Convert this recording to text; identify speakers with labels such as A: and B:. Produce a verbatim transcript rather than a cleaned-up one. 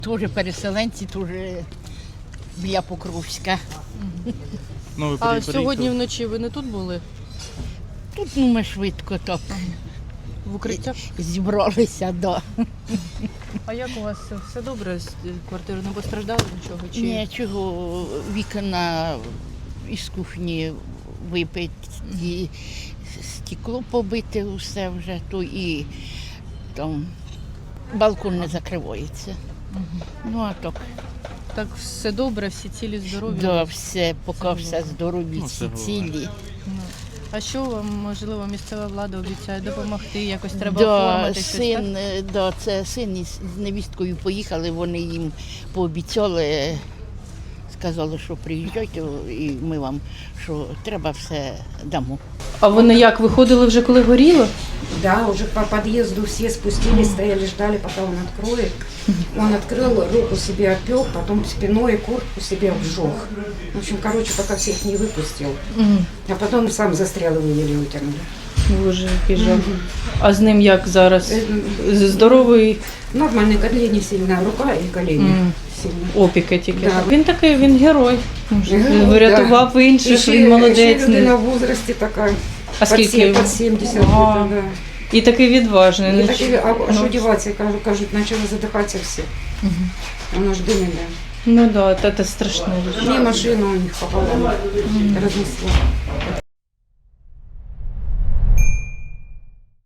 A: Теж переселенці, теж біля Покровська.
B: Ну, ви
C: А
B: приїхали?
C: сьогодні вночі ви не тут були?
A: Тут ну, ми швидко так
C: В укриттях?
A: зібралися, да.
C: А як у вас все, все добре? З квартири не постраждали нічого? Чи...
A: Нічого, вікна із кухні вибиті, стекло побите усе вже, то і там балкон не закривається. Ну а так,
C: Так все добре, всі цілі, здорові?
A: да, все, поки
C: Це
A: все здорові,
B: Ну,
A: всі
B: це
A: цілі.
C: Ну. А що вам, можливо, місцева влада обіцяє допомогти? Якось треба
A: Да,
C: оформити щось, так?
A: син, е, да, це син із з невісткою поїхали, вони їм пообіцяли, сказали, що приїжджайте і ми вам, що треба все дамо.
C: А вони як, виходили вже коли горіло?
D: Да, уже по подъезду все спустились, стояли, ждали, пока он откроет. Он открыл, руку себе опек, потом спиной куртку себе обжег. В общем, короче, пока всех не выпустил. А потом сам застрял, его еле вытянули.
C: Боже, який жах. А з ним як зараз? З- Здоровий
D: Нормальные колени сильно, рука и колени
C: М.
D: сильно.
C: опіки тільки.
D: Да.
C: Він такий, він герой.
D: Герой,
C: Врятував інших,
D: Еще-
C: він молодець.
D: еще людина в возрасте такая,
C: А
D: под,
C: скільки
D: се-
C: йому?
D: под семьдесят.
C: Ага.
D: где-то, да.
C: І такий відважний.
D: И
C: Ну,
D: такие, а, а
C: ну,
D: что деваться, кажут, кажут, начали задыхаться все. Оно ж дымит, да.
C: Ну да, це страшно.
D: И машину у них пополам разнесло.